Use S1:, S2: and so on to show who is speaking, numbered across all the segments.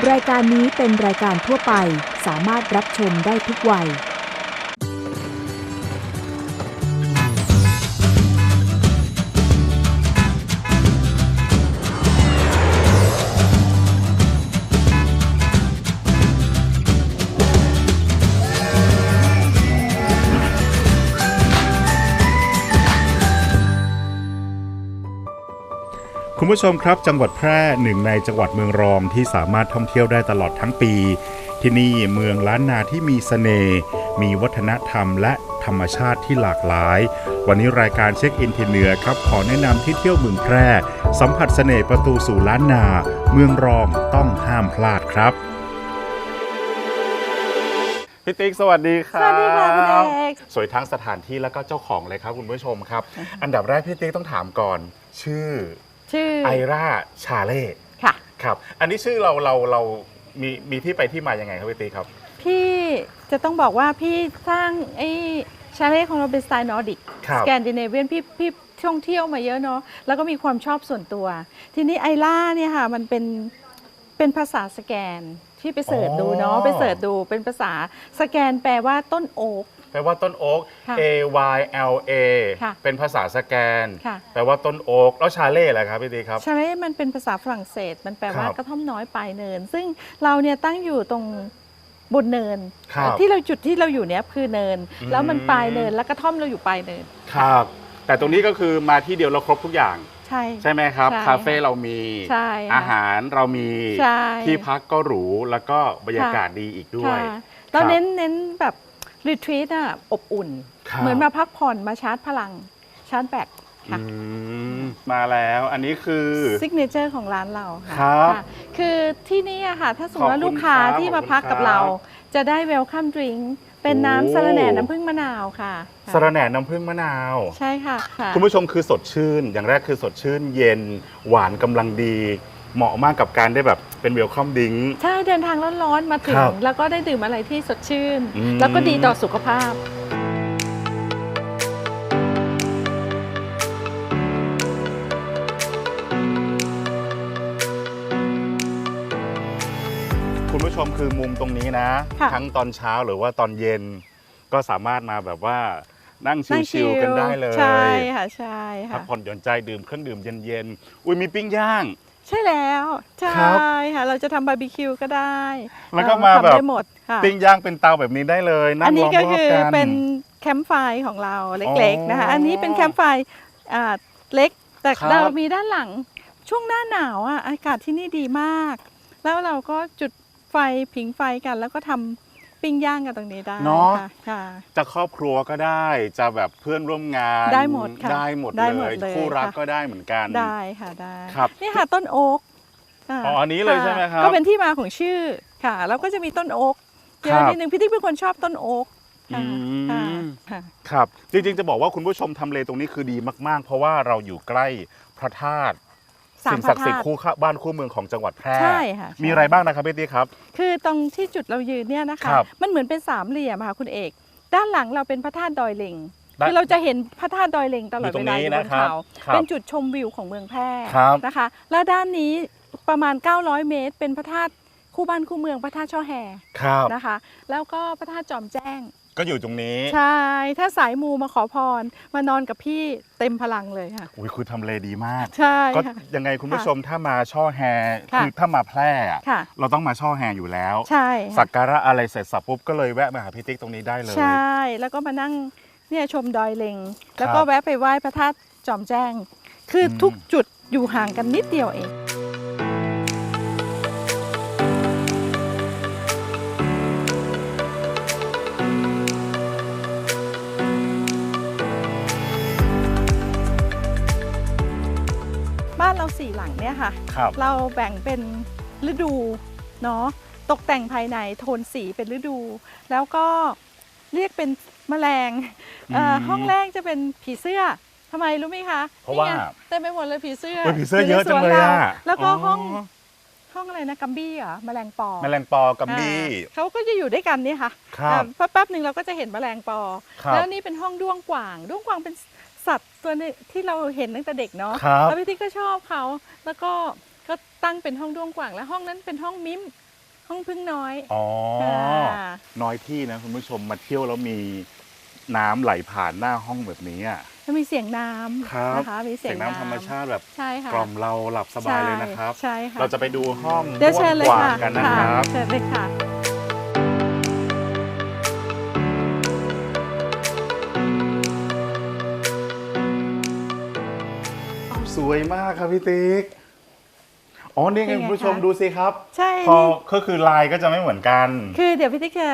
S1: รายการนี้เป็นรายการทั่วไปสามารถรับชมได้ทุกวัย
S2: คุณผู้ชมครับจังหวัดแพร่หนึ่งในจังหวัดเมืองรองที่สามารถท่องเที่ยวได้ตลอดทั้งปีที่นี่เมืองล้านนาที่มีเสน่ห์มีวัฒนธรรมและธรรมชาติที่หลากหลายวันนี้รายการเช็คอินที่เหนือครับขอแนะนำที่เที่ยวเมืองแพร่สัมผัสเสน่ห์ประตูสู่ล้านนาเมืองรองต้องห้ามพลาดครับพี่ติ๊กสวัสดีครับ
S3: สวัสดีค่ะคุณเอก
S2: สวยทั้งสถานที่แล้วก็เจ้าของเลยครับคุณผู้ชมครับอันดับแรกพี่ติ๊กต้องถามก่อนชื่อไอร่าชาเล่
S3: ค่ะ
S2: ครับอันนี้ชื่อเรามีที่ไปที่มายังไงครับพี่ติ๊กครับ
S3: พี่จะต้องบอกว่าพี่สร้างไอ้ชาเล่ของเราเป็นสไตล์นอร์ดิกสแกนดิเนเวียนพี่ท่องเที่ยวมาเยอะเนาะแล้วก็มีความชอบส่วนตัวทีนี้ไอล่าเนี่ยค่ะมันเป็นภาษาสแกนที่ไปเสิร์ชดูเนาะไปเสิร์ชดูเป็นภาษาสแกนแปลว่าต้นโอ๊ก
S2: แปลว่าต้นโอ๊ก AYLA เป็นภาษาสแกนแปลว่าต้นโอ๊กแล้วชาเล่อะไรครับพี่ติ๊กครับ
S3: ชาเล่มันเป็นภาษาฝรั่งเศสมันแปลว่ากระท่อมน้อยปลายเนินซึ่งเราเนี่ยตั้งอยู่ตรงบนเนินที่เราจุดที่เราอยู่เนี้ยคือเนินแล้วมันปลายเนินแล้วกระท่อมเราอยู่ปลายเนิน
S2: ครับแต่ตรงนี้ก็คือมาที่เดียวเราครบทุกอย่างใช่ไหมครับคาเฟ่เรามีอาหารเรามีที่พักก็หรูแล้วก็บรรยากาศดีอีกด้วย
S3: เราเน้นแบบรีทรีตอ่ะอบอุ่นเหมือนมาพักผ่อนมาชาร์จพลังชาร์จแบตค่ะ
S2: มาแล้วอันนี้คือ
S3: ซิกเนเจอร์ของร้านเรา
S2: ค่ะ
S3: คือที่นี่อะค่ะถ้าสมมติว่าลูกค้าที่มาพักกับเราจะได้เวลคัมดริงก์เป็นน้ำสะระแหน่น้ำผึ้งมะนาวค่ะ
S2: สะระแหน่น้ำผึ้งมะนาว
S3: ใช่ค่ะ
S2: คุณผู้ชมคือสดชื่นอย่างแรกคือสดชื่นเย็นหวานกำลังดีเหมาะมากกับการได้แบบเป็นเวลคัมดิ้ง
S3: ใช่เดินทางร้อนๆมาถึงแล้วก็ได้ดื่มอะไรที่สดชื่นแล้วก็ดีต่อสุขภาพ
S2: คุณผู้ชมคือมุมตรงนี้นะทั้งตอนเช้าหรือว่าตอนเย็นก็สามารถมาแบบว่านั่งชิลๆกันได้เลย
S3: ใช่ค่ะใช่ค่ะ
S2: พักผ่อนหย่อนใจดื่มเครื่องดื่มเย็นๆอุ้ยมีปิ้งย่าง
S3: ใช่แล้วใช่ค่ะเราจะทำบาร์บีคิวก็ได้
S2: แล้วก็มาแบบปิ้งย่างเป็นเตาแบบนี้ได้เลยนั่งล้อมรอบกันอันนี้ก็คือ
S3: เป็นแคมป์ไฟของเราเล็กๆนะคะอันนี้เป็นแคมป์ไฟเล็กแต่เรามีด้านหลังช่วงหน้าหนาวอากาศที่นี่ดีมากแล้วเราก็จุดไฟผิงไฟกันแล้วก็ทำปิ้งย่างกันตรงนี้ได้
S2: เนาะจะครอบครัวก็ได้จะแบบเพื่อนร่วมงาน
S3: ได้หมดค่ะ
S2: ได้หมดเลยคู่รักก็ได้เหมือนกัน
S3: ได้ค่ะได้นี่ค่ะต้นโอ๊ก
S2: อันนี้เลยใช่ไหมครับ
S3: ก็เป็นที่มาของชื่อค่ะแล้วก็จะมีต้นโอ๊กเยอะนิดนึงพี่ติ๊กเป็นคนชอบต้นโอ๊ก
S2: ครับจริงๆจะบอกว่าคุณผู้ชมทำเลตรงนี้คือดีมากๆเพราะว่าเราอยู่ใกล้พระธาตุสิ่งศักดิ์สิทธิ์คู่บ้านคู่เมืองของจังหวัดแพร่
S3: ใช่ค่ะ
S2: มีอะไรบ้างนะครับพี่ติ๊กครับ
S3: คือตรงที่จุดเรายืนเนี่ยนะคะมันเหมือนเป็นสามเหลี่ยมค่ะคุณเอกด้านหลังเราเป็นพระธาตุดอยเล็งคือเราจะเห็นพระธาตุดอยเล็งตลอดเวลาอยู่บนเขาเป็นจุดชมวิวของเมืองแพร่นะคะแล้วด้านนี้ประมาณ900เมตรเป็นพระธาตุคู่บ้านคู่เมืองพระธาตุช่อแฮนะคะแล้วก็พระธาตุจอมแจ้ง
S2: ก็อยู่ตรงนี้
S3: ใช่ถ้าสายมูมาขอพรมานอนกับพี่เต็มพลังเลยค่ะ
S2: อุ้ยคุณทำเลดีมาก
S3: ใช่
S2: ก็ยังไงคุณผู้ชมถ้ามาช่อแฮคือถ้ามาแพร่เราต้องมาช่อแฮอยู่แล้ว
S3: ใช่
S2: สักการะอะไรเสร็จสับปุ๊บก็เลยแวะมาหาพี่ติ๊กตรงนี้ได้เลย
S3: ใช่แล้วก็มานั่งเนี่ยชมดอยเล็งแล้วก็แวะไปไหว้พระธาตุจอมแจ้งคือทุกจุดอยู่ห่างกันนิดเดียวเองบ้านเรา4หลังเนี่ยค่ะเราแบ่งเป็นฤดูเนาะตกแต่งภายในโทนสีเป็นฤดูแล้วก็เรียกเป็นแมลงห้องแรกจะเป็นผีเสื้อทำไมรู้ไหมคะ
S2: เพราะว่า
S3: เต็มไปหมดเลยผีเสื้อ
S2: เยอะจังเลย
S3: แล้วก็ห้องอะไรนะกัมบี้เหรอแมลงปอ
S2: กัมบี้
S3: เขาก็จะอยู่ด้วยกันนี่ค่ะแป๊บหนึ่งเราก็จะเห็นแมลงปอแล้วนี่เป็นห้องด้วงกวางเป็นสัตว์ตัวนึงที่เราเห็นตั้งแต่เด็กเนาะแล้วพี่ติ๊กก็ชอบเขาแล้วก็ตั้งเป็นห้องด้วงกวางและห้องนั้นเป็นห้องมิมห้องพึ่งน้อย
S2: อ๋อ
S3: ค่ะ
S2: น้อยที่นะคุณผู้ชมมาเที่ยวแล้วมีน้ำไหลผ่านหน้าห้องแบบนี้อ่ะ
S3: จะมีเสียงน้
S2: ครับ
S3: ำนะคะมีเสี
S2: เสี
S3: ย
S2: ย
S3: ง
S2: งน้ำธรรมชาติแบบ
S3: ใช่ค่ะ
S2: กล่อมเราหลับสบายเลยนะครับ
S3: ใช่ค่ะ
S2: เราจะไปดูห้อง
S3: เดี๋ยวเชิญเลย
S2: กว้าง
S3: ค่ะ
S2: ๆกันนะครับ
S3: เชิญเลยค่ะ
S2: สวยมากครับพี่ติ๊กอ๋อนี่ไง
S3: เป็นไง
S2: คุณผู้ชม
S3: คะ
S2: ดูสิครับ
S3: ใช่
S2: พอ
S3: นี่
S2: ก็คือลายก็จะไม่เหมือนกัน
S3: คือเดี๋ยวพี่ติ๊กจะ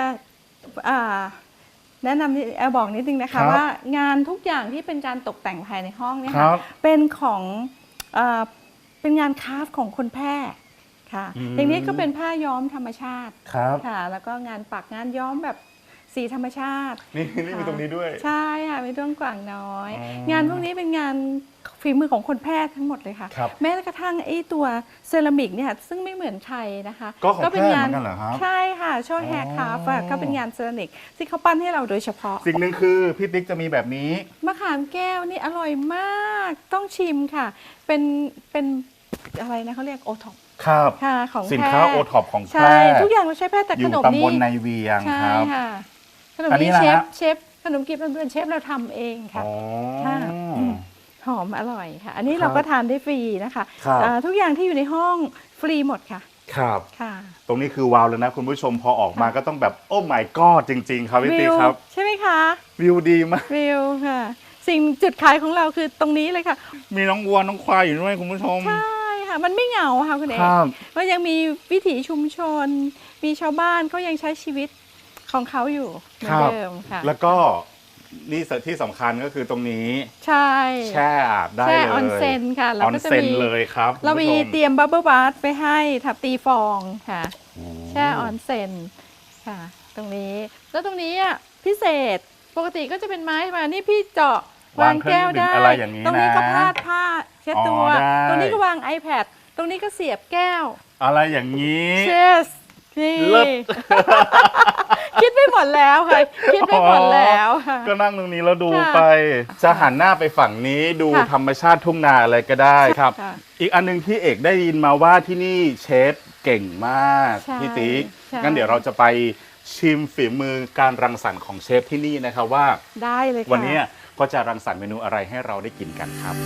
S3: แนะนำบอกนิดนึงนะ
S2: ครั
S3: คะ
S2: บ
S3: ว่างานทุกอย่างที่เป็นการตกแต่งภายในห้องเนี่ย
S2: ครั
S3: ค่ะ
S2: บ
S3: เป็นของเป็นงานคราฟต์ของคนแพร่ค่ะ
S2: อืม
S3: อย่างนี้ก็เป็นผ้าย้อมธรรมชาติ
S2: ครับ
S3: ค่ะ แล้วก็งานปักงานย้อมแบบสีธรรมชาติ
S2: นี่มีตรงนี้ด้วย
S3: ใช่ค่ะมีด้วงกว่างน้อย
S2: อ๋อ
S3: งานพวกนี้เป็นงานฝีมือของคนแพร่ทั้งหมดเลยค่ะ
S2: ครับ
S3: แม้กระทั่งไอ้ตัวเซรามิกเนี่ยซึ่งไม่เหมือนใครนะคะ
S2: ก็ของแพร่เหมือนกันเหรอครับ
S3: ใช่ค่ะช่อแฮร์คราฟต์อะก็เป็นงานเซรามิกที่เขาปั้นให้เราโดยเฉพาะ
S2: สิ่งหนึ่งคือพี่ติ๊กจะมีแบบนี้
S3: มะขามแก้วนี่อร่อยมากต้องชิมค่ะ เป็นอะไรนะเขาเรียกโอท็อป
S2: ครับ
S3: ค่ะของ
S2: สิน
S3: แพร่
S2: ค้าโอท็อปของแพ
S3: ใช่
S2: ร่
S3: ทุกอย่างเราใช้แพร่แต่
S2: อ
S3: ข
S2: ยู่
S3: นม
S2: ตำ
S3: นี่
S2: บลในเวียง
S3: ใช่
S2: ครับ
S3: ค่ะขนม
S2: อันนี้
S3: นี้
S2: นะฮะ
S3: เชฟขนมกีบเพื่อนๆเชฟเราทำเองค่ะ
S2: อ๋อ
S3: ค่ะหอมอร่อยค่ะ อันนี้
S2: ครับ
S3: เราก็ทานได้ฟรีนะคะ
S2: ครับ
S3: ทุกอย่างที่อยู่ในห้องฟรีหมดค่ะ
S2: ครับ
S3: ค่ะ
S2: ตรงนี้คือว้าวเลยนะคุณผู้ชมพอออกมาก็ต้องแบบโอ้ my god จริง ๆ ครับพี่ติ๊กครับ
S3: ใช่ไหมคะ
S2: วิวดีมาก
S3: วิวค่ะ สิ่งจุดขายของเราคือตรงนี้เลยค่ะ
S2: มีน้องวัวน้องควายอยู่ด้วยคุณผู้ชม
S3: ใช่ค่ะ มันไม่เหงาค่ะคุณเอก
S2: ครับ
S3: ก็ยังมีวิถีชุมชน มีชาวบ้านก็ยังใช้ชีวิตของเขาอยู่เหมือนเดิมค่ะ
S2: แล้วก็นี่ที่สำคัญก็คือตรงนี้
S3: ใช่
S2: แช่อาบได้เลย
S3: แช่ออนเซ็นค่ะ
S2: อ
S3: แล้ว
S2: อน
S3: ก็จะ
S2: เซ็น
S3: มี
S2: เลยครับ
S3: เรามี
S2: คุณผู้ช
S3: เตรียมบับเบิลบาร์ไปให้ทับตีฟองค่ะ แช่ออนเซ็นค่ะ ตรงนี้แล้วตรงนี้อ่ะพิเศษปกติก็จะเป็นไม้มานี่พี่เจาะวางแก้วได้
S2: อะไรอย่างนี้นะ
S3: ตรงนี้ก็พาดผ้าเช็ดตัว
S2: อ๋อได้
S3: ตรงนี้ก็วาง iPad ตรงนี้ก็เสียบแก้ว
S2: อะไรอย่างนี้
S3: เชสนี่
S2: เลิศ
S3: คิดไปหมดแล้วค่ะ คิดไปหมดแล้วค่ะ
S2: ก็นั่งตรงนี้แล้วดู
S3: ค่ะ
S2: ไป จะหันหน้าไปฝั่งนี้ดู
S3: ค่ะ
S2: ธรรมชาติทุ่งนาอะไรก็ได้ครับ
S3: ค่ะ
S2: อีกอันหนึงที่เอกได้ยินมาว่าที่นี่เชฟเก่งมาก
S3: ใช่
S2: พี่ติ๊ก
S3: ใช่
S2: งั้นเดี๋ยวเราจะไปชิมฝีมือการรังสรรค์ของเชฟที่นี่นะครับว่า
S3: ได้เลยค่ะ
S2: วันนี้ก็จะรังสรรค์เมนูอะไรให้เราได้กินกันครับ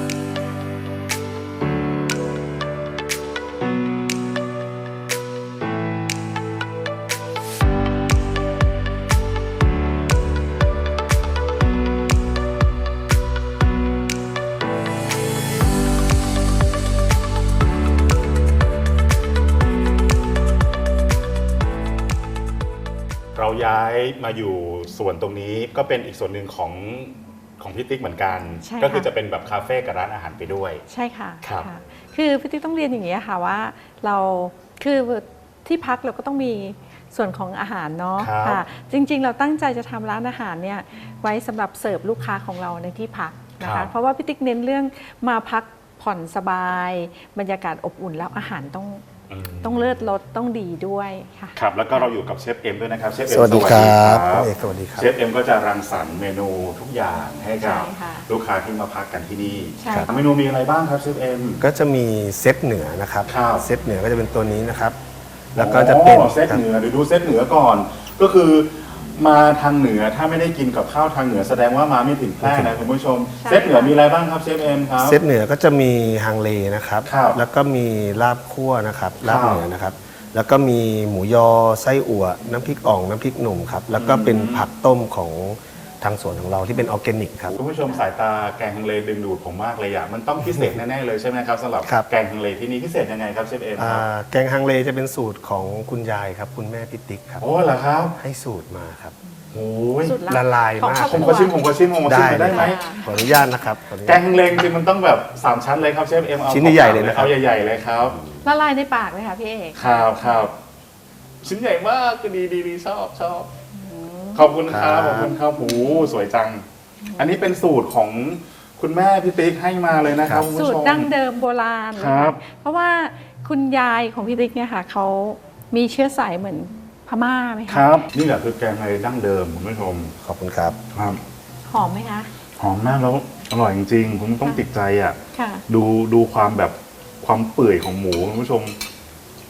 S2: เราย้ายมาอยู่ส่วนตรงนี้ก็เป็นอีกส่วนหนึ่งของพี่ติ๊กเหมือนกัน
S3: ใช่ค่ะ
S2: ก็คือจะเป็นแบบคาเฟ่กับร้านอาหารไปด้วย
S3: ใช่ค่ะ
S2: ครับ
S3: ค่ะ คือพี่ติ๊กต้องเรียนอย่างนี้ค่ะว่าเราคือที่พักเราก็ต้องมีส่วนของอาหารเนาะ
S2: ครับ
S3: ค่ะ จริงๆ เราตั้งใจจะทำร้านอาหารเนี่ยไว้สำหรับเสิร์ฟลูกค้าของเราในที่พักนะ
S2: ครั
S3: คะ
S2: บ
S3: เพราะว่าพี่ติ๊กเน้นเรื่องมาพักผ่อนสบาย บรรยากาศอบอุ่นแล้วอาหารต้องเลิศรสต้องดีด้วยค่ะ
S2: ครับแล้วก็เราอยู่กับเชฟเอ็มด้วยนะครับเชฟเอ็ม
S4: สวัสดีครับ
S2: สวัส
S4: เอ
S2: ดี
S4: กสวัสดีครับ
S2: เชฟเอ็มก็จะรังสรรค์เมนูทุกอย่างให้กับ
S3: ใช่ค่ะ
S2: ลูกค้าที่มาพักกันที่นี่
S3: ใช่
S2: เมนูมีอะไรบ้างครับเชฟเอ็ม
S4: ก็จะมีเซตเหนือนะครับ
S2: ครับ
S4: เซตเหนือก็จะเป็นตัวนี้นะครับ แล้วก็จะเป็น
S2: อ๋อเซตเหนือเดี๋ยวดูเซตเหนือก่อน ก็คือมาทางเหนือถ้าไม่ได้กินกับข้าวทางเหนือแสดงว่ามาไม่ถึงแพร่นะคุณผู้ชม
S3: ใช่
S2: เซตเหนือมีอะไรบ้างครับเชฟเอ็มครับ
S4: เซตเหนือก็จะมีฮังเลนะครับ
S2: ครับ
S4: แล้วก็มีลาบคั่วนะครับลาบ
S2: ครับ
S4: เหนือนะครับ แล้วก็มีหมูยอไส้อั่วน้ำพริกอ่องน้ำพริกหนุ่มครับ แล้วก็เป็นผักต้มของทางสวนของเราที่เป็นออร์แกนิกครับ
S2: คุณผู้ชมสายตาแกงฮังเลดึงดูดผมมากเลยอะมันต้องพิเศษแน่ๆเลยใช่ไหมครับสำหรับ
S4: ครับ
S2: แกงฮังเลที่นี่พิเศษยังไงครับเชฟเอ็มครับ
S4: แกงฮังเลจะเป็นสูตรของคุณยายครับ คุณแม่พิติกครับ
S2: โอ้เหรอครับ
S4: ให้สูตรมาครับ
S2: โอ้ย
S3: สุด
S4: ละลาย
S3: ของ
S4: มาก
S3: ครอบ
S2: ผม
S3: ครั
S2: ก็
S3: ว
S2: ชิมได้ไหม
S4: ขออนุญาตนะครับขออนุ
S2: แก
S4: ญาต
S2: งฮังเลจริงๆมันต้องแบบ3ชั้นเลยครับเชฟเอ็มเอา
S4: ชิ้นใหญ่ๆเลยนะครับ
S2: เอาใหญ่ๆเลยครับ
S3: ละลายในปากเลยค่ะพี่เอก
S2: ครับชิ้นใหญ่มากก็ดีชอบขอบคุณครับขอบคุณครับโอ้สวยจัง อันนี้เป็นสูตรของคุณแม่พี่ติ๊กให้มาเลยนะครับคุณ
S3: สู
S2: ผู้
S3: ต
S2: ช
S3: ร
S2: ม
S3: ดั้งเดิมโบราณเลย
S2: ครั
S3: ค่ะ
S2: บ
S3: เพราะว่าคุณยายของพี่ติ๊กเนี่ยค่ะเขามีเชื้อสายเหมือนพม่าไหม
S2: ค
S3: คะ
S2: รับนี่แหละคือแกงฮังเลดั้งเดิมคุณผู้ชม
S4: ขอบคุณครับ
S2: ครับ
S3: หอมไหมคะ
S2: หอมมากแล้วอร่อยจริงๆคุณต้องติดใจอ่ะ
S3: ค่ะ
S2: ดูความแบบความเปื่อยของหมูคุณผู้ชม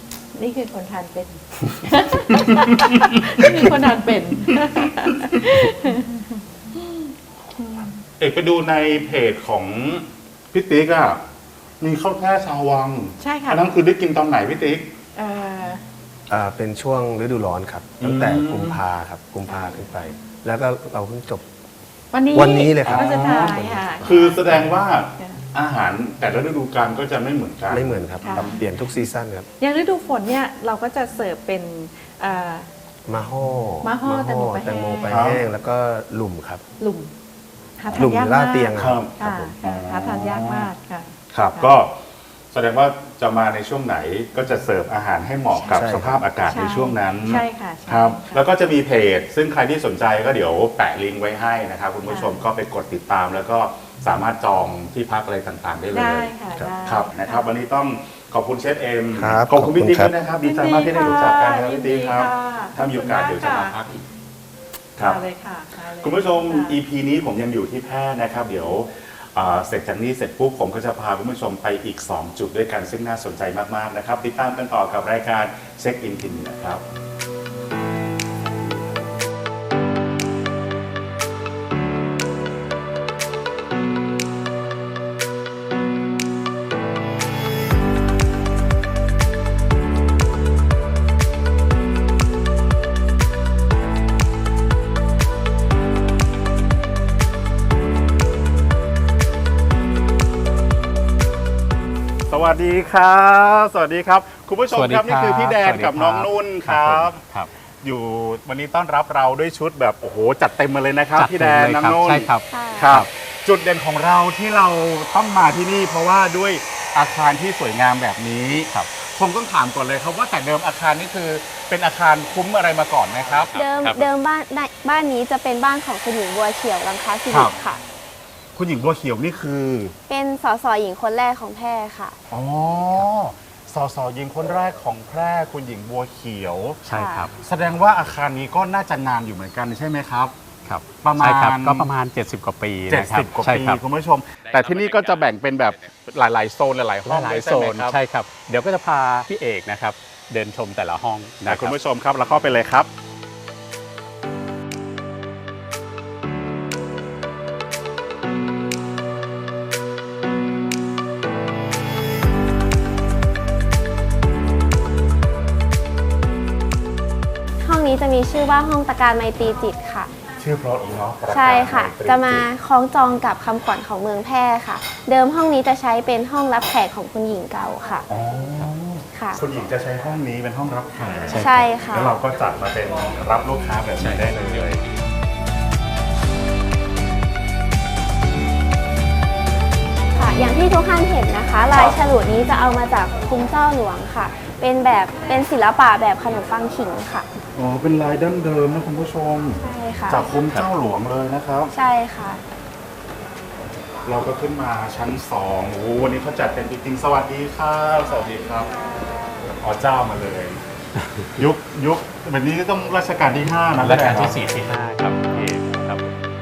S3: นี่คือคนทานเป็น นี่คือคนทานเป็น
S2: เอกไปดูในเพจของพี่ติ๊กอะมีข้าวแช่ชาววัง
S3: ใช่ค่ะ
S2: อันนั้นคือได้กินตอนไหนพี่ติ๊ก
S4: เป็นช่วงฤดูร้อนครับตั้งแต่กุมภาครับกุมภาขึ้นไป แล้วก็เราเพิ่งจบ วันนี้เลยครับ
S3: วันสุดท้ายค่ะ
S2: คือแสดงว่าอาหารแต่ละฤดูกาลก็จะไม่เหมือนกัน
S4: ไม่เหมือนครับ
S3: ค่ะ
S4: เปลี่ยนทุกซีซั่นครับ
S3: อย่างฤดูฝนเนี่ยเราก็จะเสิร์ฟเป็น
S4: มาห่อ
S3: มาห่อแตงโม
S4: แตงโม
S3: ไป
S4: ไป
S3: แห้ง
S4: แห้งแล้วก็หลุมครับ
S3: หลุมหา
S4: ห
S3: ทา
S4: ลุ
S3: น
S4: ม
S3: ยาก
S4: ล่าม
S3: าก
S4: เตียง
S2: ครั
S4: ครับ
S2: บ
S3: ค่ะหาทานยากมากค่ะ
S2: ครับก็แสดงว่าจะมาในช่วงไหนก็จะเสิร์ฟอาหารให้เหมาะกับ
S4: ใช่
S2: สภาพอากาศ
S3: ใช่
S2: ในช่วงนั้น
S3: ใช่ค่ะใช่
S2: ครับ
S3: ค่ะ
S2: แล้วก็จะมีเพจ ซึ่งใครที่สนใจก็เดี๋ยวแปะลิงก์ไว้ให้นะครับคุณผู้ชมก็ไปกดติดตาม แล้วก็สามารถจองที่พักอะไรต่างๆได้เลย
S3: ได้ค่ะได้
S2: ครับนะครับวันนี้ต้องขอบคุณเชฟเอ็ม
S4: ครับ
S2: ขอบคุณพี่ติ๊ก
S4: ขอบ
S2: ด้
S4: คุ
S2: วย
S4: ณ
S2: นะครับดีใจมากที่ได้รู้จักกันครับ
S3: ยิ
S2: พี่
S3: น
S2: ติ๊
S3: ดี
S2: กครับ
S3: ค่ะ
S2: ถ้ามีโอกาสเดี๋ยวจะมาพักอีกครับ
S3: มาเลยค่ะมาเลย
S2: คุณผู้ชม
S3: ค่ะ
S2: EP นี้ผมยังอยู่ที่แพร่นะครับ เดี๋ยวเสร็จจากนี้เสร็จปุ๊บผมก็จะพาคุณผู้ชมไปอีก 2 จุดด้วยกันซึ่งน่าสนใจมากๆนะครับ ติดตามกันต่อกับรายการเช็คอินทินนะครับ สวัสดีครับ สวัสดีครับ คุณผู้ชมครับนี่คือพี่แดนกับน้องนุ่นครับ
S5: ครับ
S2: อยู่วันนี้ต้อนรับเราด้วยชุดแบบโอ้โหจัดเต็มมาเลยนะครับ
S5: จัด
S2: พี่แดน
S5: เต็มเลย
S2: น้อง
S5: ครับ
S2: นุ่น
S5: ใช่ครับ
S2: ครับ จุดเด่นของเราที่เราต้องมาที่นี่ เพราะว่าด้วยอาคารที่สวยงามแบบนี้
S5: ครับ
S2: ผมต้องถามก่อนเลยครับว่าแต่เดิมอาคารนี้คือเป็นอาคารคุ้มอะไรมาก่อนนะครับ
S6: เดิมบ้านนี้จะเป็นบ้านของคุณหญิงบัวเขียวรังคาสิริค่ะ
S2: คุณหญิงบัวเขียวนี่คือ
S6: เป็นสสหญิงคนแรกของแพร่ค่ะ
S2: อ๋อสสหญิงคนแรกของแพร่คุณหญิงบัวเขียว
S5: ใช่ครับ
S2: แสดงว่าอาคารนี้ก็น่าจะนานอยู่เหมือนกันใช่ไหมครับ
S5: ครับ
S2: ประมาณ
S5: ใช่ครับก็ประมาณ 70 กว่าปีนะครับ
S2: 70 กว่า
S5: ใช่
S2: ปี
S5: ครับ
S2: คุณผู้ชม แต่ที่นี่ก็จะแบ่งเป็นแบบหลายๆโซนหลายๆห้อง
S5: หลาย
S2: เลย
S5: ๆโซ
S2: ใช่ไหม
S5: น
S2: ครับ
S5: ใช่ครับ เดี๋ยวก็จะพาพี่เอกนะครับ เดินชมแต่ละห้องนะค
S2: คุณ
S5: รับ
S2: ผู้ชมครับเราเข้าไปเลยครับ
S6: ห้องนี้จะมีชื่อว่าห้องตะการไมตรีจิตค่ะ
S2: ชื่อเพราะอีกเนาะ
S6: ใช่ค่ะ
S2: ปรการ
S6: จะมาคล้องจองกับคำขวัญของเมืองแพร่ค่ะ เดิมห้องนี้จะใช้เป็นห้องรับแขกของคุณหญิงเก่าค่ะ
S2: อ๋อ
S6: ค่ะ
S2: คุณหญิงจะใช้ห้องนี้เป็นห้องรับแขก
S6: ใช่ค่ะ
S2: แล้วเราก็จัดมาเป็นรับลูกค้าแบบนี้ได้เลย
S6: ค่ะ อย่างที่ทุกท่านเห็นนะคะ ลายฉลุนี้จะเอามาจากคุ้มเจ้าหลวงค่ะ เป็นศิลปะแบบขนมปังขิงค่ะ
S2: อ๋อเป็นลายดั้งเดิมนะคุณผู้ชม
S6: ใช่ค่ะ
S2: จากคุ้มเจ้าหลวงเลยนะครับ
S6: ใช่ค่ะ
S2: เราก็ขึ้นมาชั้น2โอ้โหวันนี้เขาจัดเป็นจริงๆสวัสดีครับสวัสดีครับอ๋อเจ้ามาเลย ยุคแบบนี้ก็ต้องรัชกาลที่5นะ
S5: และการที่ 4 ที่ 5 ครับพี่เอกครับ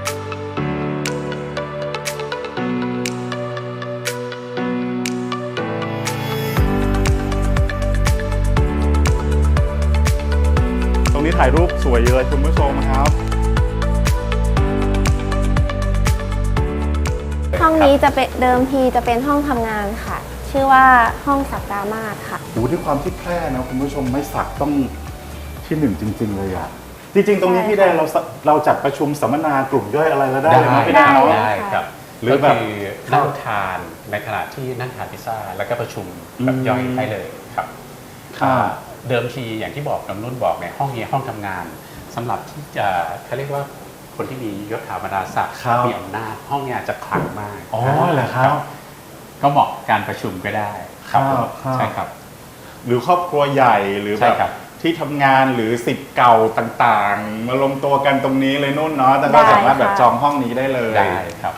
S2: ตรงนี้ถ่ายรูปสวยเลยคุณผู้ชมครับ
S6: ห้องนี้จะเป็นเดิมทีจะเป็นห้องทำงานค่ะ ชื่อว่าห้องสักดามาศค่ะ
S2: โอ้ด้วยความที่แพร่นะคุณผู้ชมไม่สักต้องที่หนึ่งจริง ๆ เลยอ่ะจริง ๆ ตรงนี้พี่แดนเราจัดประชุมสัมมนากลุ่มย่อยอะไรแล้วได้เลยนะพี่แดน
S6: ได้
S2: เนาะ
S5: ได้ครับ
S2: หรือแบบ
S5: ก็คือนั่งทานในขณะที่นั่งทานพิซซ่าแล้วก็ประชุมแบบย่อยได้เลยครับ
S2: ค่ะ
S5: เดิมทีอย่างที่บอกน้ำนุ่นบอกเนี่ยห้องนี้ห้องทำงานสำหรับที่จะเขาเรียกว่าคนที่มียศถาบรรดาศักดิ์
S2: ครับ
S5: มีอำนาจห้องเนี้จะขลังมาก
S2: อ๋อเหรอครับ
S5: ก็เหมาะการประชุมก็ได้ครับ
S2: ครับ
S5: ใช่ครับ
S2: หรือครอบครัวใหญ่หรือแบ
S5: ใช่
S2: บ
S5: ครับ
S2: ที่ทำงานหรือสิทธิ์เก่าต่างๆ มารวมตัวกันตรงนี้เลยนุ่นเนาะแต่ก็
S6: ได้
S2: สามารถแบบ
S6: ค่ะ
S2: จองห้องนี้ได้เลย
S5: ได้ครับ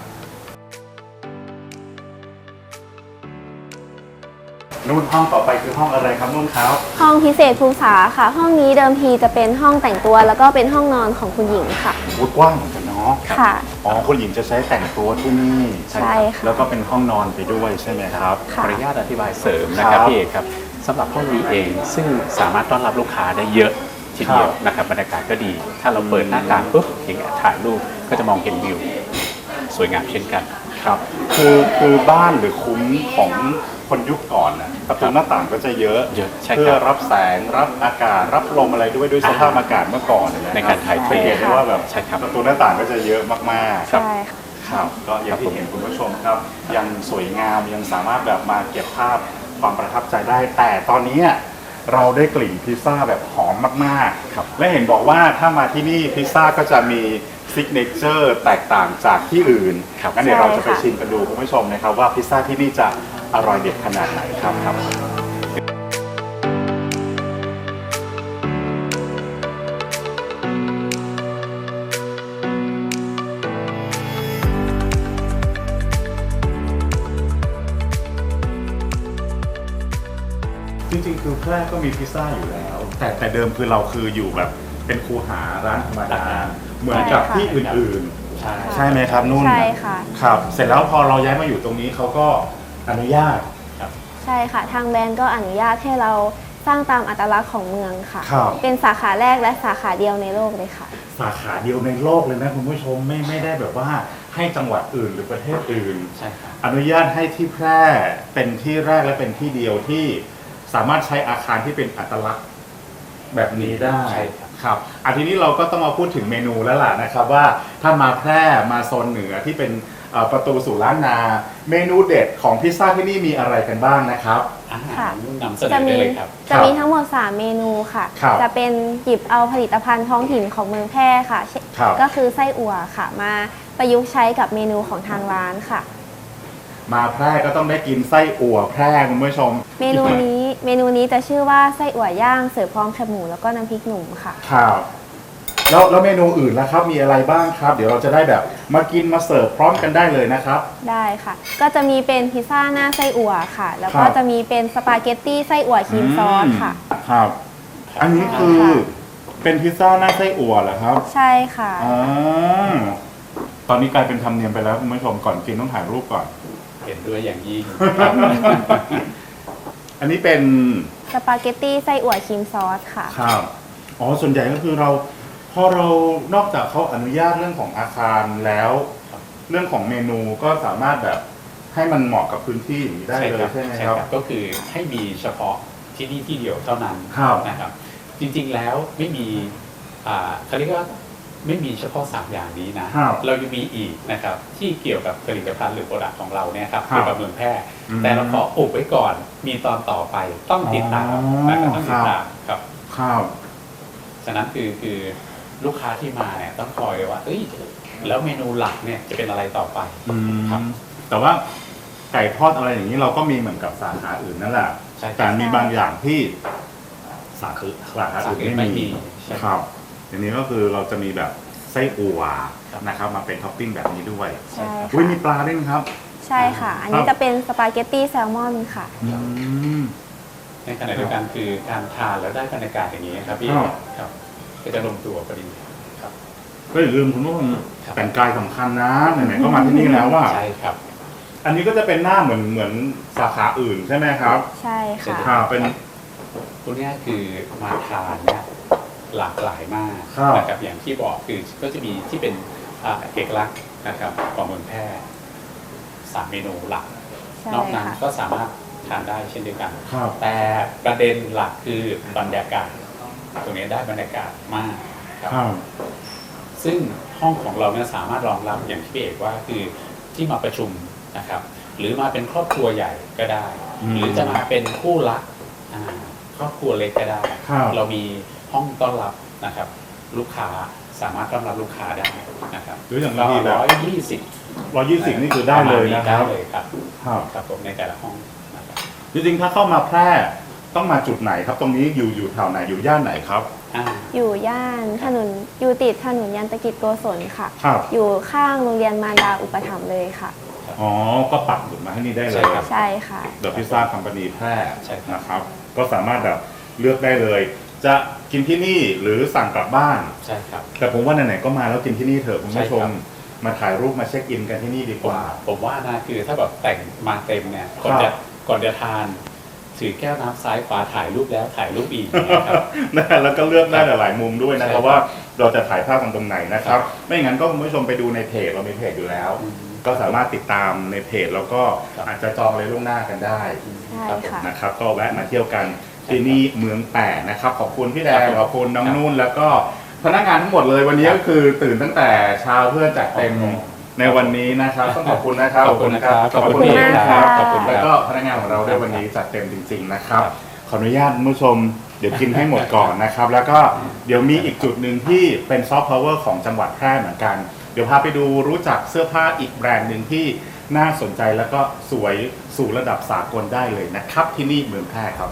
S2: นุ่นห้องต่อไปคือห้องอะไรครับนุ่นครับ
S6: ห้องพิเศษภูษาค่ะ ห้องนี้เดิมทีจะเป็นห้องแต่งตัวแล้วก็เป็นห้องนอนของคุณหญิงค่ะ
S2: วุ้กว้างเหมือนกันเนาะ
S6: ค่ะ
S2: อ๋อคุณหญิงจะใช้แต่งตัวที่นี่
S6: ใช่ค่ะ
S2: แล้วก็เป็นห้องนอนไปด้วยใช่ไหมครับ
S6: ค่ะ
S5: ขออนุญาตอธิบายเสริมนะครับ
S2: ครับ
S5: พี่เอกครับสำหรับห้องนี้เองซึ่งสามารถต้อนรับลูกค้าได้เยอะทีเดียวนะครับบรรยากาศก็ดี ถ้าเราเปิดหน้าต่างปุ๊บอย่างเงี้ยถ่ายรูปก็จะมองเห็นวิวสวยงามเช่นกัน
S2: ครับคือบ้านหรือคุ้มของคนยุคก่อนนะประตูหน้าต่างก็จะเยอะ
S5: ใช่ครับ
S2: เพื่อรับแสงรับอากาศรับลมอะไรด้วยสภาพอากาศเมื่อก่อนะ
S5: ในการถ่ายเท
S2: เห็นได้ว่าแบบ
S5: ใช่ครับ
S2: ประตูหน้าต่างก็จะเยอะมากๆ
S6: ใช่ค่ะ
S2: ครับก็อย่างที่เห็นคุณผู้ชมครับ ยังสวยงามยังสามารถแบบมาเก็บภาพความประทับใจได้ แต่ตอนนี้เราได้กลิ่นพิซซ่าแบบหอมมากๆครับและเห็นบอกว่าถ้ามาที่นี่พิซซ่าก็จะมีซิกเนเจอร์แตกต่างจากที่อื่นงั้นเดี๋ยวเราจะไปชิมกันดูคุณผู้ชมนะครับว่าพิซซ่าที่นี่จะอร่อยเด็ดขนาดไหนครับจริงๆคือแพร่ก็มีพิซซ่าอยู่แล้ว แต่เดิมคือเราคืออยู่แบบเป็นคูหาร้านธรรมดาเหมือนกับที่อื่นๆใช่ไหมครับนุ่น
S6: ใช่ค่ะ
S2: ครับเสร็จแล้วพอเราย้ายมาอยู่ตรงนี้เขาก็อนุญาต
S6: ใช่ค่ะ ทางแบรนด์ก็อนุญาตให้เราสร้างตามอัตลักษณ์ของเมืองค่ะ
S2: ครับ
S6: เป็นสาขาแรกและสาขาเดียวในโลกเลยค่ะ
S2: สาขาเดียวในโลกเลยนะคุณผู้ชมไม่ได้แบบว่าให้จังหวัดอื่นหรือประเทศอื่น
S5: ใช่ครับ
S2: อนุญาตให้ที่แพร่เป็นที่แรกและเป็นที่เดียวที่สามารถใช้อาคารที่เป็นอัตลักษณ์แบบนี้ได้
S5: ใช่ครับ
S2: ครับทีนี้เราก็ต้องมาพูดถึงเมนูแล้วล่ะนะครับว่าถ้ามาแพร่มาโซนเหนือที่เป็นประตูสู่ล้านนา เมนูเด็ดของพิซซ่าที่นี่มีอะไรกันบ้างนะครับ
S6: ค่ะ
S5: นำเสนอได้เลยครับ
S6: จะมีทั้งหมด 3 เมนูค่ะ
S2: ครับ
S6: จะเป็นหยิบเอาผลิตภัณฑ์ท้องถิ่นของเมืองแพร่ค่ะ
S2: ครับ
S6: ก็คือไส้อั่วค่ะ มาประยุกต์ใช้กับเมนูของทางร้านค่ะ
S2: มาแพร่ก็ต้องได้กินไส้อั่วแพร่คุณผู้ชม
S6: เมนูนี้จะชื่อว่าไส้อั่วย่างเสิร์ฟพร้อมแคบหมูแล้วก็น้ำพริกหนุ่มค่ะ
S2: ครับแล้วเมนูอื่นล่ะครับมีอะไรบ้างครับ เดี๋ยวเราจะได้แบบมากินมาเสิร์ฟพร้อมกันได้เลยนะครับ
S6: ได้ค่ะ ก็จะมีเป็นพิซซ่าหน้าไส้อั่วค่ะ แล้วก็
S2: ครับ
S6: จะมีเป็นสปาเกตตี้ไส้อั่วครีมซอสค่ะ
S2: ครับ อันนี้คือ
S6: ค่ะ
S2: เป็นพิซซ่าหน้าไส้อั่วเหรอครับ
S6: ใช่ค่ะ
S2: อ่าตอนนี้กลายเป็นธรรมเนียมไปแล้วคุณผู้ชมก่อนกินต้องถ่ายรูปก่อน
S5: เห็นด้วยอย่างยิ่ง
S2: อันนี้เป็น
S6: สปาเกตตี้ไส้อั่วครีมซอสค่ะ
S2: ครับอ๋อส่วนใหญ่ก็คือพอเรานอกจากเขาอนุญาตเรื่องของอาคารแล้ว เรื่องของเมนูก็สามารถแบบให้มันเหมาะกับพื้นที่อย่างนี้ได้เลยใช่ไหมครับ
S5: ก็คือให้มีเฉพาะที่นี่ที่เดียวเท่านั้น
S2: ครับ
S5: นะครับ จริงๆแล้วไม่มีเขาเรียกว่าไม่มีเฉพาะ3อย่างนี้นะครับ เรายังมีอีกนะครับที่เกี่ยวกับผลิตภัณฑ์หรือโปรดักต์ของเราเนี่ยครับ
S2: ครับ
S5: เกี่ยวกับเมืองแพร่
S2: อืม
S5: แต่เราขออุบไว้ก่อนมีตอนต่อไปต้องติดตามนะครับต้องติดตามครับ
S2: ข้าว
S5: ฉะนั้นคือลูกค้าที่มาเนี่ยต้องคอยว่าเอ้ยแล้วเมนูหลักเนี่ยจะเป็นอะไรต่อไปครับ
S2: แต่ว่าไก่ทอดอะไรอย่างนี้เราก็มีเหมือนกับสาขาอื่นนั่นแหละ
S5: ใช่ครับ
S2: แต่มีบางอย่างที่สาขาอื่นไม่มี
S5: ใช่
S2: ครับทีนี้ก็คือเราจะมีแบบไส้อั่ว
S5: ครับ
S2: นะครับมาเป็นท็อปปิ้งแบบนี้ด้วย
S6: ใช่
S2: อุ้ย
S6: ค่ะ
S2: มีปลาด้วยนะครับ
S6: ใช่ค่ะ อันนี้จะเป็นสปาเกตตี้แซลมอนค่ะ
S2: อืม
S5: ในขณะเดียวกันคือการทานแล้วได้บรรยากาศอย่างนี้ครับพี่
S2: ครับ
S5: ครับก็จะลงตัวพอดีครับ
S2: ก็อย่าลืมคุณผู้ชม
S5: ครับ
S2: แต่งกายสำคัญนะไหนๆก็มาที่นี่แล้วว่า
S5: ใช่ครับ
S2: อันนี้ก็จะเป็นหน้าเหมือนสาขาอื่นใช่ไหมครับ
S6: ใช่ค่ะ
S2: ค่ะเป็น
S5: พวกนี้คือมาทานเนี่ยหลากหลายมาก
S2: ครับ
S5: นะครับอย่างที่บอกคือก็จะมีที่เป็นเอกลักษณ์นะครับของเมืองแพร่3เมนูหลัก
S6: ใช่
S5: นอกนั้น
S6: ค่ะ
S5: ก็สามารถทานได้เช่นเดียวกัน
S2: ครับ
S5: แต่ประเด็นหลักคือบรรยากาศ ตรงนี้ได้บรรยากาศมากครับ
S2: ครับ
S5: ซึ่งห้องของเราเนี่ยสามารถรองรับอย่างที่พี่เอกว่าคือที่มาประชุมนะครับ หรือมาเป็นครอบครัวใหญ่ก็ได้ หรือจะมาเป็นคู่รักครอบครัวเล็กก็ได้
S2: ครับ
S5: เรามีห้องต้อนรับนะครับ ลูกค้าสามารถต้อนรับลูกค้าได้นะครับ
S2: หรืออย่าง
S5: ก็
S2: ที่แบบ
S5: 120
S2: นี่คือได้เลยนะครับ
S5: ได้เลยครับ
S2: ครับ
S5: ครับผมในแต่ละห้องนะครับ
S2: จริงๆถ้าเข้ามาแพร่ต้องมาจุดไหนครับ ตรงนี้อยู่แถวไหนอยู่ย่านไหนครับ
S6: อยู่ย่านอยู่ติดถนนยันตกิจโกศลค่ะ
S2: ครับ
S6: อยู่ข้างโรงเรียนมารดาอุปถัมภ์เลยค่ะ
S2: อ๋อก็ปักหมุดมาให้นี่ได้เล
S5: ใช่
S2: ย
S5: ครับ
S6: ใช่ค่ะ
S2: เดอะพิซซ่าคัมปานีแพร่
S5: ใช่ครับ
S2: นะครับ ก็สามารถแบบเลือกได้เลย จะกินที่นี่หรือสั่งกลับบ้าน
S5: ใช่ครับ
S2: แต่ผมว่าไหนๆก็มาแล้วกินที่นี่เถอะคุณผู้ช
S5: ใช่ครั
S2: ม
S5: บ
S2: มาถ่ายรูปมาเช็คอินกันที่นี่ดีกว่า
S5: ผมว่านะคือถ้าแบบแต่งมาเต็มเนี่ยก่อน
S2: ครั
S5: จะ
S2: บ
S5: ก่อนจะทานถือแก้วน้ำซ้ายขวาถ่ายรูปแล้วถ่ายรูปอีกนะครับ
S2: แล้วก็เลือกได้หลายๆมุมด้วยนะครับว่าเราจะถ่ายภาพตรงไหนนะครับไม่งั้นก็คุณผู้ชมไปดูในเพจเรามีเพจอยู่แล้ว ก็สามารถติดตามในเพจแล้วก็อาจจะจองเลยล่วงหน้ากันได้
S6: ใช่ค่ะ
S2: นะครับก็แวะมาเที่ยวกันที่นี่เมืองแปะนะครับขอบคุณพี่แดงขอบคุณน้องนุ่นแล้วก็พนักงานทั้งหมดเลยวันนี้ก็คือตื่นตั้งแต่เช้าเพื่อจัดเต็มในวันนี้นะครับต้องขอบคุณนะครับ
S5: ขอบคุณนะครับ
S2: ขอบคุณ
S6: ขอบคุณมาก
S2: นะครับ
S6: ค่ะ
S2: ขอบคุณแล้วก็พนักงานของเราด้วยวันนี้จัดเต็มจริงๆนะครับขออนุญาตคุณผู้ชมเดี๋ยวกินให้หมดก่อนนะครับแล้วก็เดี๋ยวมีอีกจุดหนึ่งที่เป็นซอฟต์พาวเวอร์ของจังหวัดแพร่เหมือนกันเดี๋ยวพาไปดูรู้จักเสื้อผ้าอีกแบรนด์หนึ่งที่น่าสนใจแล้วก็สวยสู่ระดับสากลได้เลยนะครับที่นี่เมืองแพร่ครับ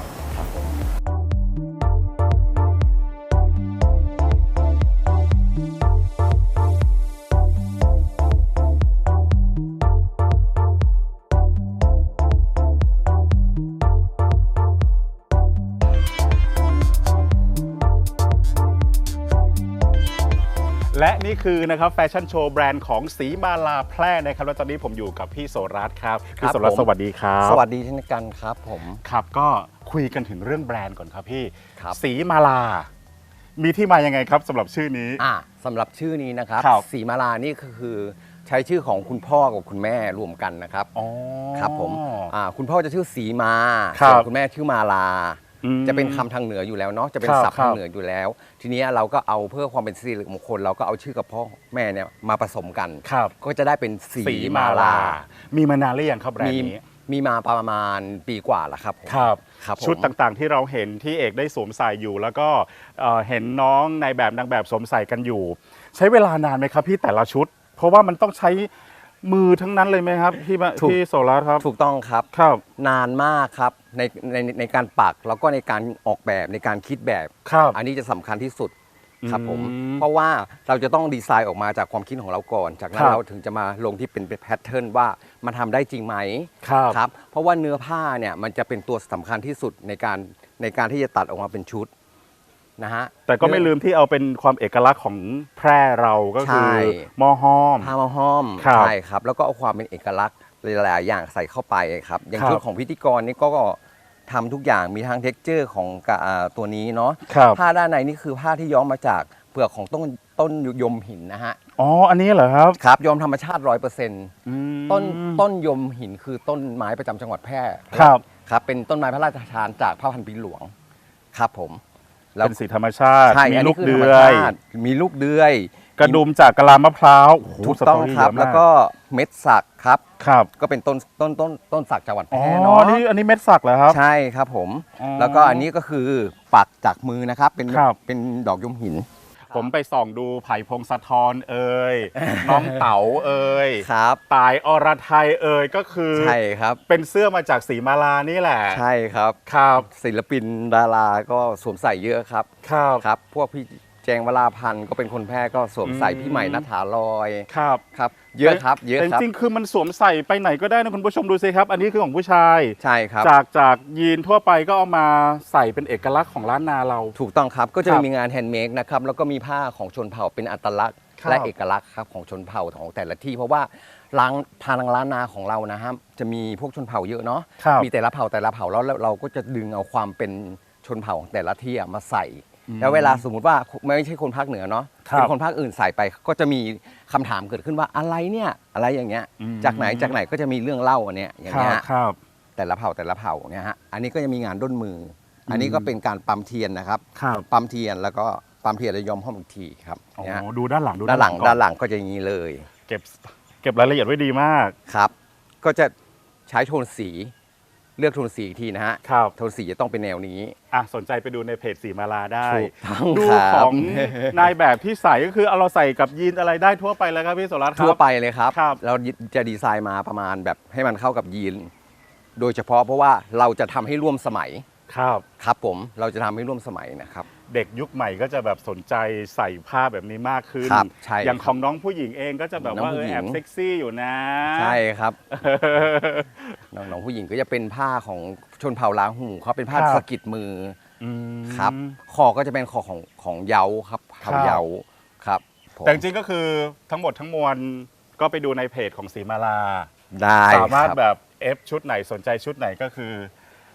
S2: และนี่คือนะครับแฟชั่นโชว์แบรนด์ของสีมาลาแพร่นะครับแล้วตอนนี้ผมอยู่กับพี่โสรัตน์ครับพี่โสรัตน์สวัสดีครับ
S7: สวัสดีเช่นกันครับผม
S2: ครับก็คุยกันถึงเรื่องแบรนด์ก่อนครับพี่
S7: ครับ
S2: สีมาลา มีที่มายังไงครับสำหรับชื่อนี้
S7: สำหรับชื่อนี้นะครับ
S2: ครับ
S7: สีมาลานี่คือใช้ชื่อของคุณพ่อกับคุณแม่รวมกันนะครับ
S2: อ๋อ
S7: ครับผมคุณพ่อจะชื่อสีมา
S2: ครับ
S7: ส่วนคุณแม่ชื่อมาลา
S2: อืม
S7: จะเป็นคำทางเหนืออยู่แล้วเนาะจะเป็น
S2: ครับ
S7: ศัพท์ทางเหนืออยู่แล้ว ทีนี้เราก็เอาเพื่อความเป็นสิริมงคลเราก็เอาชื่อกับพ่อแม่เนี่ยมาผสมกัน
S2: ครับ
S7: ก็จะได้เป็นสี
S2: สีมา
S7: มา
S2: ลา
S7: ลา
S2: มีมานานหรือยังครับแบรน
S7: มี
S2: ด์นี้
S7: มีมาประมาณปีกว่าแล้วครับผม
S2: ครับ
S7: ครับผม
S2: ชุดต่างๆที่เราเห็นที่เอกได้สวมใส่อยู่ แล้วก็เห็นน้องในแบบนางแบบสวมใส่กันอยู่ ใช้เวลานานไหมครับพี่แต่ละชุด เพราะว่ามันต้องใช้มือทั้งนั้นเลยไหมครับพี่โสรัตน์ครับ
S7: ถูกต้องครับ
S2: ครับ
S7: นานมากครับในการปักแล้วก็ในการออกแบบในการคิดแบบ
S2: ครับ
S7: อันนี้จะสำคัญที่สุดครับผม
S2: อืม
S7: เพราะว่าเราจะต้องดีไซน์ออกมาจากความคิดของเราก่อน จากนั้
S2: ครั
S7: น
S2: บ
S7: เราถึงจะมาลงที่เป็นแพทเทิร์นว่ามันทำได้จริงไหม
S2: ครับ
S7: ครับเพราะว่าเนื้อผ้าเนี่ยมันจะเป็นตัวสำคัญที่สุดในการที่จะตัดออกมาเป็นชุดนะฮะ
S2: แต่ก็ไม่ลืมที่เอาเป็นความเอกลักษณ์ของแพร่เราก็คือ
S7: ใช่
S2: หม้อห้อม
S7: ผ้ามาห้อม
S2: ครับ
S7: ใช่ครับแล้วก็เอาความเป็นเอกลักษณ์หลายๆอย่างใส่เข้าไปครับอย่าง
S2: ครับ
S7: ชุดของพิธีกรนี่ก็ทำทุกอย่างมีทั้งเท็กเจอร์ของตัวนี้เนาะ
S2: ครับ
S7: ผ้าด้านในนี่คือผ้าที่ย้อมมาจากเปลือกของต้นยมหินนะฮะ
S2: อ๋ออันนี้เหรอครับ
S7: ครับย้อมธรรมชาติ 100%
S2: อืม
S7: ต้นยมหินคือต้นไม้ประจำจังหวัดแพร่
S2: ครับ
S7: ครับเป็นต้นไม้พระราชทานจากพระพันปีหลวงครับผมแล้ว
S2: เป็นสีธรรมชาติ
S7: ใช่
S2: มี
S7: อัน
S2: ลู
S7: นี้
S2: ก
S7: คือ
S2: เดื
S7: ธรรม
S2: อย
S7: ชาติมีลูกเดือย
S2: กระดุมจากกะลามะพร้าวโโห
S7: ถูกต้อง
S2: สรี่
S7: ครับ
S2: เยะมา
S7: แล้วก็เม็ดสักครับ
S2: ครับ
S7: ก็เป็นต้นสักจังหวัดแพ
S2: อ๋อ
S7: ร่เนาะ
S2: อันนี้เม็ดสักเหรอครับ
S7: ใช่ครับผม
S2: อ๋อ
S7: แล้วก็อันนี้ก็คือปักจากมือนะครับเป็น
S2: ครับ
S7: เป็นดอกยมหิน
S2: ผมไปส่องดูไผ่พงศธรเอ่ย น้องเต๋าเอ่ย
S7: ครับ
S2: ตายอรไทยเอ่ยก็คือ
S7: ใช่ครับ
S2: เป็นเสื้อมาจากสีมาลานี่แหละ
S7: ใช่ครับ
S2: ครับ
S7: ศิลปินดาราก็สวมใส่เยอะครับ
S2: ครับ
S7: ครับ พวกพี่แจงวราพันธ์ก็เป็นคนแพร่ก็สวมใส่
S2: อืม
S7: พี่ใหม่นัทธาลอย
S2: ครับ
S7: ครับ เยอะครับเยอะ
S2: แต่
S7: ครับ
S2: จริงๆคือมันสวมใส่ไปไหนก็ได้นะคุณผู้ชมดูสิครับ อันนี้คือของผู้ชาย
S7: ใช่ครับ
S2: จากยีนทั่วไปก็เอามาใส่เป็นเอกลักษณ์ของล้านนาเรา
S7: ถูกต้องครับก็จะ
S2: ครับ
S7: มีงานแฮนด์เมดนะครับแล้วก็มีผ้าของชนเผ่าเป็นอัตลักษณ์
S2: ครับ
S7: และเอกลักษณ์ครับของชนเผ่าของแต่ละที่ เพราะว่าทางล้านนาของเรานะฮะจะมีพวกชนเผ่าเยอะเนาะ
S2: ครับ
S7: มีแต่ละเผ่าแล้วเราก็จะดึงเอาความเป็นชนเผ่าของแต่ละที่อะมาใส่ แล้วเวลาสมมุติว่าไม่ใช่คนภาคเหนือเนาะ
S2: ครับ
S7: เป็นคนภาคอื่นใส่ไปก็จะมีคำถามเกิดขึ้นว่าอะไรเนี่ยอะไรอย่างเงี้ย
S2: อืม
S7: จากไหนก็จะมีเรื่องเล่าอันเนี้ยอย่าง
S2: ครั
S7: เงี้
S2: บ
S7: ย
S2: ครับ
S7: แต่ละเผ่าเนี่ยฮะอันนี้ก็จะมีงานด้นมือ อันนี้ก็เป็นการปั๊มเทียนนะครับ
S2: ครับ
S7: ปั๊มเทียนแล้วก็ปั๊มเทียนแล้วย้อมห้อมอีกทีครับ
S2: อ๋อ
S7: เนี่ยฮะ
S2: ดูด้านหลัง
S7: ด้านหลัง
S2: ก่อ
S7: ด้านหลังก็จะอย่างนี้เลย
S2: เก็บรายละเอียดไว้ดีมาก
S7: ครับ ก็จะใช้โทนสีเลือกโทนสีอีกทีนะฮะ
S2: ครับ
S7: โทนสีจะต้องเป็นแนวนี้
S2: อ่ะสนใจไปดูในเพจสีมาลาได้
S7: ถูกต้อง
S2: ดู
S7: ครับ
S2: ของนายแบบที่ใส่ก็คือเอาเราใส่กับยีนอะไรได้ทั่วไปแล้วครับพี่โสรัตน์ครับ
S7: ทั่วไปเลยครับ
S2: ครับ
S7: เราจะดีไซน์มาประมาณแบบให้มันเข้ากับยีน โดยเฉพาะเพราะว่าเราจะทำให้ร่วมสมัย
S2: ครับ
S7: ครับผมเราจะทำให้ร่วมสมัยนะครับ
S2: เด็กยุคใหม่ก็จะแบบสนใจใส่ผ้าแบบนี้มากขึ้น
S7: ครับใช่
S2: อย่างของน้องผู้หญิงเองก็จะแบบว่า
S7: น้องผู้หญิง
S2: แอบเซ็กซี่อยู่นะ
S7: ใช่ครับน้องๆผู้หญิงก็จะเป็นผ้าของชนเผ่าลาหูเขาเป็นผ้า
S2: ครับ
S7: สะกิดมือ
S2: อืม
S7: ครับคอก็จะเป็นคอของเยาครับ
S2: ครับ
S7: เผ่าเยาครับผม
S2: แต่จริงๆก็คือทั้งหมดทั้งมวลก็ไปดูในเพจของสีมาลา
S7: ได้
S2: สามารถ
S7: ครับ
S2: แบบเอฟชุดไหนสนใจชุดไหนก็คือ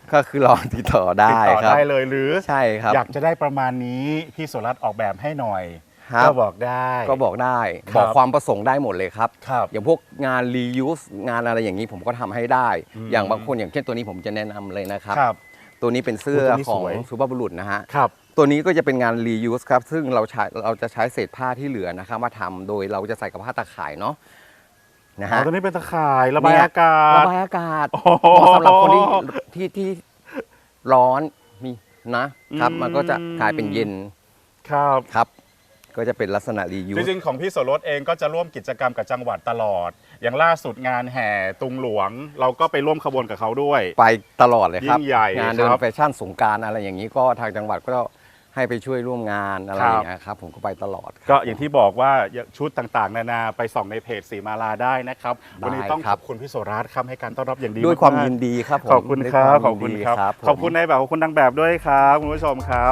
S7: ก็คือลองติดต่อได้
S2: ติดต่อ
S7: ครับ
S2: ได้เลยหรือ
S7: ใช่ครับ
S2: อยากจะได้ประมาณนี้พี่สุรัตน์ออกแบบให้หน่อย
S7: ครับ
S2: ก็บอกได้
S7: ก็บอกได้
S2: ครับ
S7: บอกความประสงค์ได้หมดเลยครับ
S2: ครับ
S7: อย่างพวกงาน reuse งานอะไรอย่างนี้ผมก็ทำให้ได้ อย่างบางคนอย่างเช่นตัวนี้ผมจะแนะนำเลยนะครับ
S2: ครับ
S7: ตัวนี้เป็นเสื้อ
S2: ตัวนี้
S7: ขอ
S2: ส
S7: ง
S2: วย
S7: สุภาพบุรุษนะฮะ
S2: ครับ
S7: ตัวนี้ก็จะเป็นงาน reuse ครับ ซึ่งเราจะใช้เศษผ้าที่เหลือนะครับมาทำโดยเราจะใส่กับผ้าตาข่ายเนาะนะ
S2: อ๋อ
S7: ฮะ
S2: ตัวนี้เป็นตะข่ายระบายอากา
S7: ระ
S2: ศ
S7: บายอากาศ
S2: โอ้
S7: เห
S2: โห
S7: มาะสำหรับคนที่ร้อนมีนะครับ มันก็จะกลายเป็นเย็น
S2: ครับ
S7: ครับ ก็จะเป็นลักษณะ
S2: จ
S7: reuse
S2: ริงๆของพี่โสรสเองก็จะร่วมกิจกรรมกับจังหวัดตลอด อย่างล่าสุดงานแห่ตุงหลวง เราก็ไปร่วมขบวนกับเขาด้วย
S7: ไปตลอดเลยครับ
S2: ยิ่งใหญ่
S7: งานเดิ
S2: ครั
S7: น
S2: บ
S7: แฟชั่นสงกรานต์อะไรอย่างนี้ก็ทางจังหวัดก็ให้ไปช่วยร่วมงานอะไรอย่างเงี้ยครับผมก็ไปตลอดครับ
S2: ก็อย่างที่บอกว่าชุดต่างๆ นานาไปส่องในเพจสีมาลาได้นะครับ วันนี้ต้อง
S7: ได้ค
S2: ข
S7: รับ
S2: อบคุณพี่โสรัตน์ครับให้การต้อนรับอย่างดี
S7: ด้วยความ
S2: กๆ
S7: ยินดีครับผม
S2: ขอบคุณครับ
S7: ด้วย
S2: ขอบ
S7: วาม
S2: คุณ
S7: ยินดี
S2: ครับ
S7: ผม
S2: ขอบคุณนายแบบขอบคุณนางแบบด้วยครับคุณผู้ชมครับ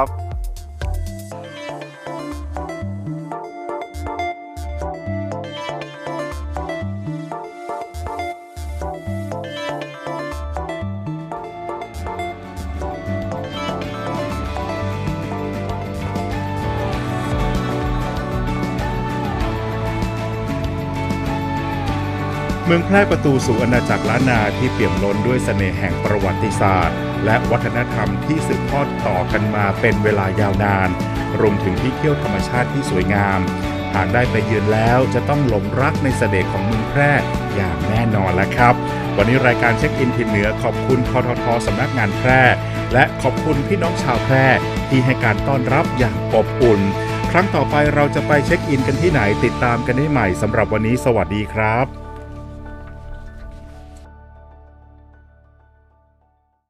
S2: เมืองแพร่ประตูสู่อาณาจักรล้านนาที่เปี่ยมล้นด้วยเสน่ห์แห่งประวัติศาสตร์ และวัฒนธรรมที่สืบทอดต่อกันมาเป็นเวลายาวนาน รวมถึงที่เที่ยวธรรมชาติที่สวยงาม หากได้ไปเยือนแล้วจะต้องหลงรักในเสน่ห์ของเมืองแพร่อย่างแน่นอนแล้วครับ วันนี้รายการเช็คอินถิ่นเหนือขอบคุณทททสำนักงานแพร่ และขอบคุณพี่น้องชาวแพร่ที่ให้การต้อนรับอย่างอบอุ่น ครั้งต่อไปเราจะไปเช็คอินกันที่ไหนติดตามกันได้ใหม่สำหรับวันนี้สวัสดีครับ